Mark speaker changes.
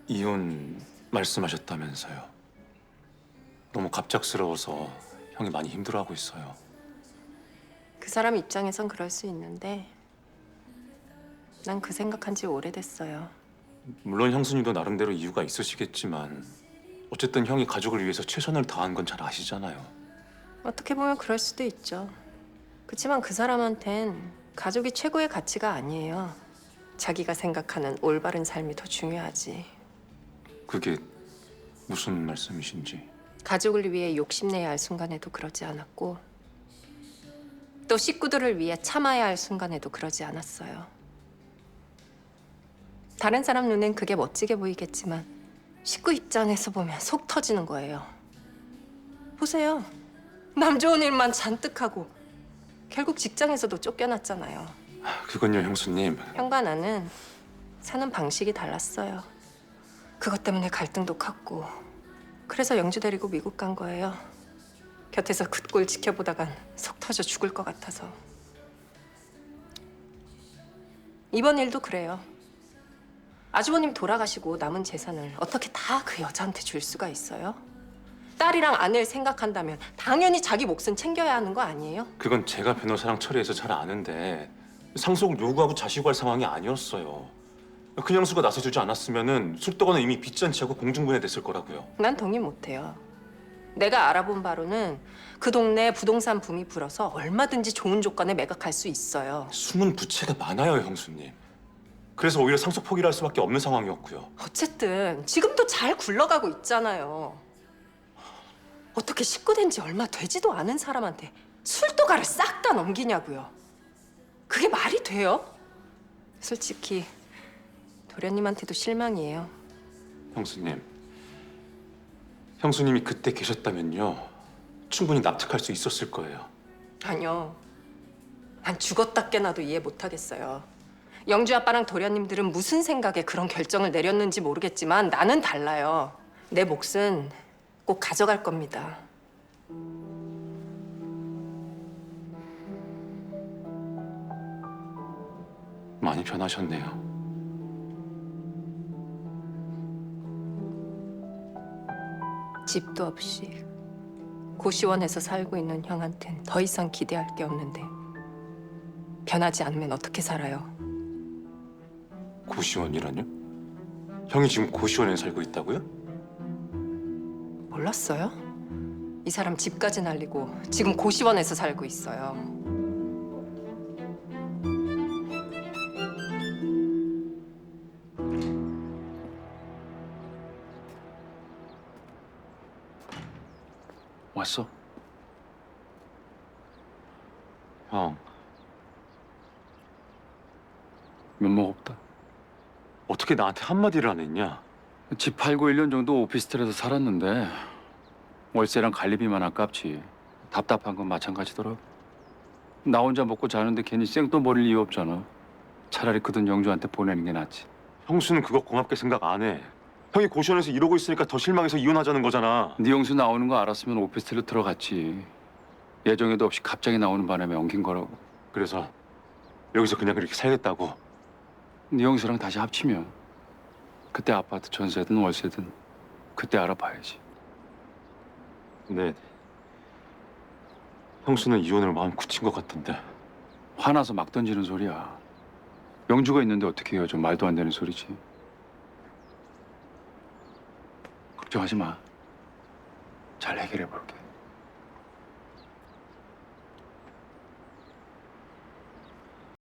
Speaker 1: 이혼 말씀하셨다면서요. 너무 갑작스러워서 형이 많이 힘들어하고 있어요.
Speaker 2: 그 사람 입장에선 그럴 수 있는데 난 그 생각한 지 오래됐어요.
Speaker 1: 물론 형수님도 나름대로 이유가 있으시겠지만 어쨌든 형이 가족을 위해서 최선을 다한 건 잘 아시잖아요.
Speaker 2: 어떻게 보면 그럴 수도 있죠. 그렇지만 그 사람한텐 가족이 최고의 가치가 아니에요. 자기가 생각하는 올바른 삶이 더 중요하지.
Speaker 1: 그게 무슨 말씀이신지.
Speaker 2: 가족을 위해 욕심내야 할 순간에도 그러지 않았고 또 식구들을 위해 참아야 할 순간에도 그러지 않았어요. 다른 사람 눈엔 그게 멋지게 보이겠지만 식구 입장에서 보면 속 터지는 거예요. 보세요. 남 좋은 일만 잔뜩 하고 결국 직장에서도 쫓겨났잖아요.
Speaker 1: 그건요, 형수님.
Speaker 2: 형과 나는 사는 방식이 달랐어요. 그것 때문에 갈등도 컸고 그래서 영주 데리고 미국 간 거예요. 곁에서 그 꼴 지켜보다간 속 터져 죽을 것 같아서. 이번 일도 그래요. 아주버님 돌아가시고 남은 재산을 어떻게 다 그 여자한테 줄 수가 있어요? 딸이랑 아내를 생각한다면 당연히 자기 몫은 챙겨야 하는 거 아니에요?
Speaker 1: 그건 제가 변호사랑 처리해서 잘 아는데 상속을 요구하고 자시고 할 상황이 아니었어요. 큰형수가 나서주지 않았으면은 술도가는 이미 빚잔치하고 공중분해됐을 거라고요.
Speaker 2: 난 동의 못해요. 내가 알아본 바로는 그 동네에 부동산 붐이 불어서 얼마든지 좋은 조건에 매각할 수 있어요.
Speaker 1: 숨은 부채가 많아요, 형수님. 그래서 오히려 상속 포기를 할 수밖에 없는 상황이었고요.
Speaker 2: 어쨌든 지금도 잘 굴러가고 있잖아요. 어떻게 식구 된 지 얼마 되지도 않은 사람한테 술도가를 싹 다 넘기냐고요. 그게 말이 돼요? 솔직히 도련님한테도 실망이에요.
Speaker 1: 형수님, 형수님이 그때 계셨다면요, 충분히 납득할 수 있었을 거예요.
Speaker 2: 아니요. 난 죽었다 깨나도 이해 못하겠어요. 영주 아빠랑 도련님들은 무슨 생각에 그런 결정을 내렸는지 모르겠지만 나는 달라요. 내 몫은 꼭 가져갈 겁니다.
Speaker 1: 많이 변하셨네요.
Speaker 2: 집도 없이 고시원에서 살고 있는 형한텐 더 이상 기대할 게 없는데 변하지 않으면 어떻게 살아요?
Speaker 1: 고시원이라뇨? 형이 지금 고시원에 살고 있다고요?
Speaker 2: 몰랐어요? 이 사람 집까지 날리고 지금 고시원에서 살고 있어요.
Speaker 1: 왔어? 형,
Speaker 3: 면목 없다.
Speaker 1: 어떻게 나한테 한마디를 안 했냐?
Speaker 3: 집 팔고 1년 정도 오피스텔에서 살았는데 월세랑 관리비만 아깝지. 답답한 건 마찬가지더라. 나 혼자 먹고 자는데 괜히 생돈 버릴 이유 없잖아. 차라리 그 돈 영주한테 보내는 게 낫지.
Speaker 1: 형수는 그거 고맙게 생각 안 해. 형이 고시원에서 이러고 있으니까 더 실망해서 이혼하자는 거잖아.
Speaker 3: 네 영수 나오는 거 알았으면 오피스텔로 들어갔지. 예정에도 없이 갑자기 나오는 바람에 엉킨 거라고.
Speaker 1: 그래서 여기서 그냥 그렇게 살겠다고.
Speaker 3: 네 영수랑 다시 합치면 그때 아파트 전세든 월세든 그때 알아봐야지.
Speaker 1: 근데 형수는 이혼을 마음 굳힌 것 같던데.
Speaker 3: 화나서 막 던지는 소리야. 영주가 있는데 어떻게 헤어져? 말도 안 되는 소리지. 걱정하지 마. 잘 해결해 볼게.